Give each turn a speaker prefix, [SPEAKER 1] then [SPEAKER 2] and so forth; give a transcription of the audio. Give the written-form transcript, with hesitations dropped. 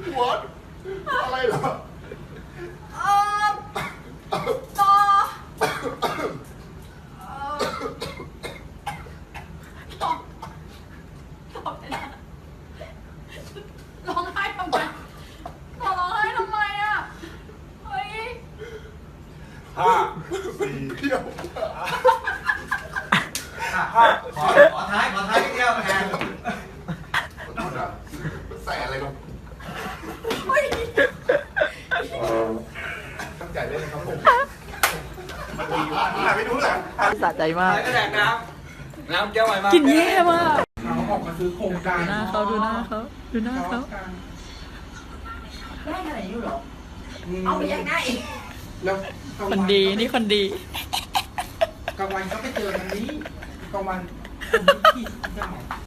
[SPEAKER 1] หัวอะไรเหรอ
[SPEAKER 2] ต่อร้องไห้ทำไมต่อร้องไห้ทำไมอ่ะเฮ้ย
[SPEAKER 1] 5 4เดียว
[SPEAKER 3] ขอท้ายนิดเดียวแทน
[SPEAKER 1] ขอโทษนะใส่อะไรลง
[SPEAKER 2] เฮ้ย
[SPEAKER 1] ตั้งใจเล่นนะครับผมไม่รู้แหละ
[SPEAKER 4] สะใจมาก
[SPEAKER 3] ก็แดกน้ำแก้วใหม่มาก
[SPEAKER 4] กินแย่มาก
[SPEAKER 5] เขาออกมาซื้อโครงการ
[SPEAKER 4] ดูหน้าเขาดูหน้าเขาดูหน้าเขา
[SPEAKER 2] ได้ขนาดนี้เหรอเอาไปยังไง
[SPEAKER 5] แล้ว
[SPEAKER 4] คนดีนี่คนดี
[SPEAKER 5] กลางวันก็ไปเจอกันนี้กลางวันคนที่